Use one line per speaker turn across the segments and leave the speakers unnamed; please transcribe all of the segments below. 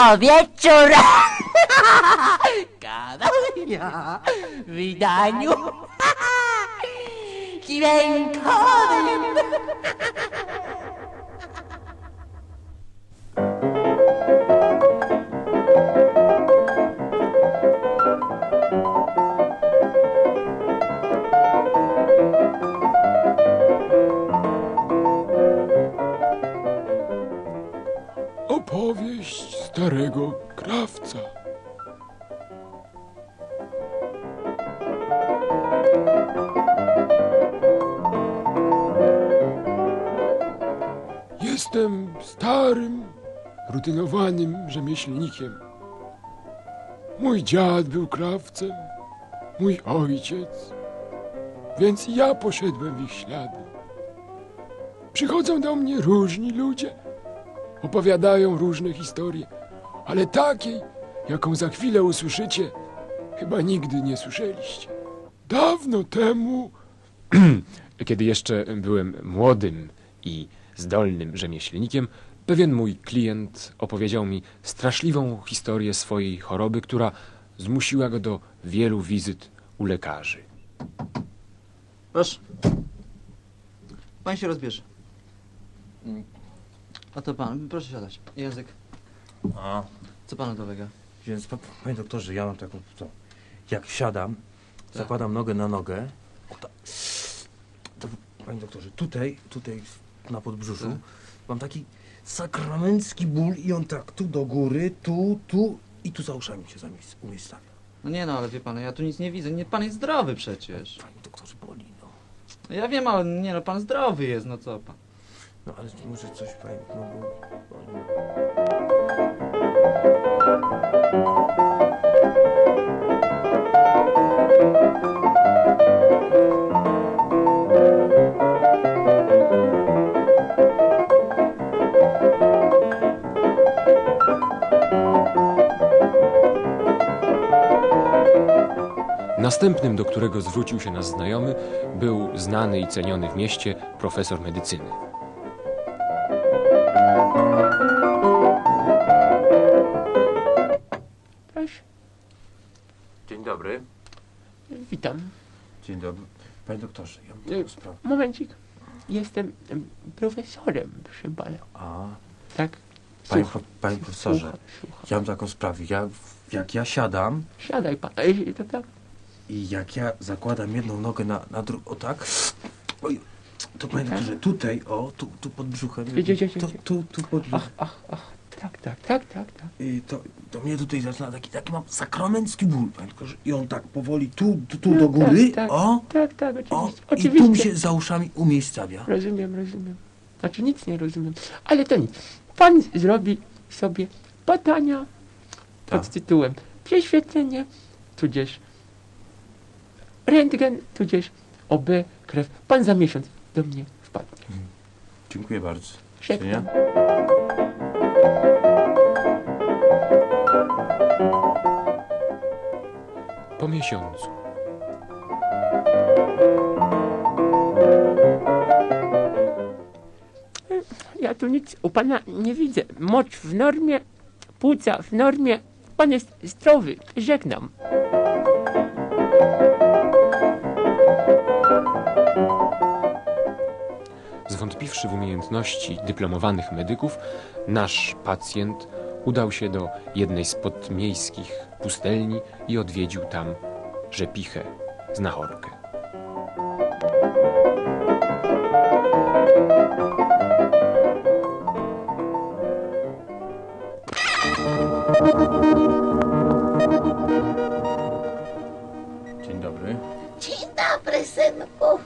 co wieczór gadania w wydaniu dźwiękowym.
Opowieść starego krawca. Jestem starym, rutynowanym rzemieślnikiem. Mój dziad był krawcem, mój ojciec, więc ja poszedłem w ich ślady. Przychodzą do mnie różni ludzie, opowiadają różne historie, ale takiej, jaką za chwilę usłyszycie, chyba nigdy nie słyszeliście. Dawno temu, kiedy jeszcze byłem młodym i zdolnym rzemieślnikiem, pewien mój klient opowiedział mi straszliwą historię swojej choroby, która zmusiła go do wielu wizyt u lekarzy.
Proszę. Pan się rozbierze. A to pan, proszę siadać. Język.
A,
Co panu dolega?
więc panie doktorze, ja mam taką, jak siadam, zakładam nogę na nogę, to panie doktorze, tutaj na podbrzuszu mam taki sakramencki ból i on tak tu do góry, tu i tu za uszami się umiejscawia.
No nie no, ale wie pan, ja tu nic nie widzę. Nie, pan jest zdrowy przecież.
Panie doktorze, boli, no.
No ja wiem, ale nie no, pan zdrowy jest, no co pan?
No ale może coś, panie, no bo...
Następnym, do którego zwrócił się nasz znajomy, był znany i ceniony w mieście profesor medycyny.
Proszę.
Dzień dobry.
Witam.
Dzień dobry. Panie doktorze, ja mam taką sprawę.
Momencik. Jestem profesorem, proszę pana.
A,
Tak?
panie profesorze,
Słucham.
ja mam taką sprawę. Jak ja siadam
Siadaj pan, jeśli to tak.
i jak ja zakładam jedną nogę na drugą, o tak, oj, to panie doktorze, tutaj, o, tu pod brzuchem, tu pod brzuchem,
Tak.
i to mnie tutaj zaczyna taki mam sakramencki ból, panie doktorze, i on tak powoli tu do góry,
tak,
o,
Tak,
o,
oczywiście.
i tu mi się za uszami umiejscawia.
Rozumiem. Znaczy nic nie rozumiem. Ale to nic. Pan zrobi sobie badania
Tak.
pod tytułem prześwietlenie, tudzież rentgen, tudzież OB, krew. Pan za miesiąc do mnie wpadnie.
Dziękuję bardzo.
Żegnam.
Po miesiącu.
Ja tu nic u pana nie widzę. Mocz w normie, płuca w normie. Pan jest zdrowy. Żegnam.
Zwątpiwszy w umiejętności dyplomowanych medyków, nasz pacjent udał się do jednej z podmiejskich pustelni i odwiedził tam rzepichę, znachorkę.
Dzień dobry.
Dzień dobry, synku.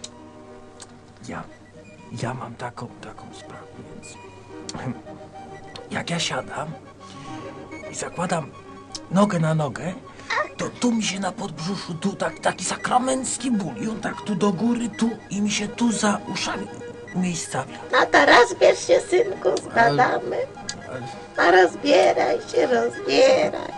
Ja mam taką sprawę, więc jak ja siadam i zakładam nogę na nogę, to tu mi się na podbrzuszu, tu taki sakramencki ból i on tak tu do góry, tu i mi się tu za uszami umiejscawia.
No to rozbierz się, synku, zbadamy. No rozbieraj się, rozbieraj.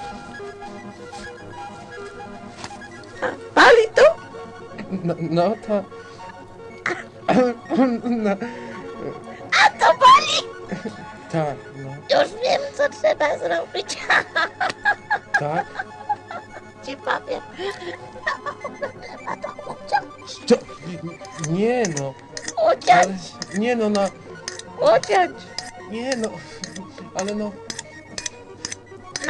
A, boli tu?
No to...
A to boli!
Tak, no,
Już wiem, co trzeba zrobić.
tak.
Ci powiem. Trzeba to uciąć.
To, nie no,
Uciąć,
ale, nie no,
uciąć.
nie no, ale no.
No.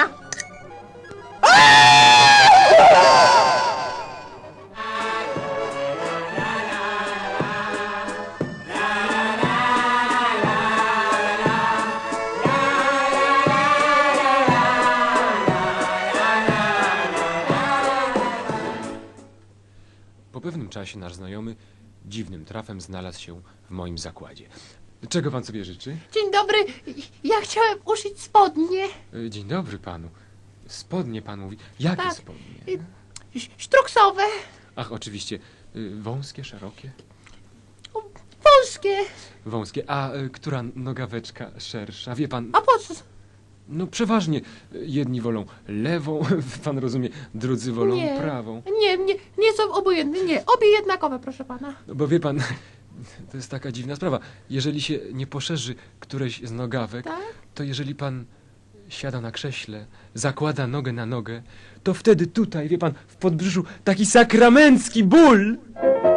Po pewnym czasie nasz znajomy dziwnym trafem znalazł się w moim zakładzie. Czego pan sobie życzy?
Dzień dobry, ja chciałem uszyć spodnie.
Dzień dobry panu. Spodnie pan mówi. Jakie
Tak.
spodnie?
Sztruksowe,
Ach, oczywiście. Wąskie, szerokie?
wąskie.
Wąskie. A która nogaweczka szersza? Wie pan,
A po co?
no przeważnie jedni wolą lewą, pan rozumie, drudzy wolą
Nie.
prawą.
Nie są obojętne, nie. Obie jednakowe, proszę pana.
No bo wie pan, to jest taka dziwna sprawa. Jeżeli się nie poszerzy któreś z nogawek,
Tak?
to jeżeli pan siada na krześle, zakłada nogę na nogę, to wtedy tutaj, wie pan, w podbrzuszu taki sakramencki ból.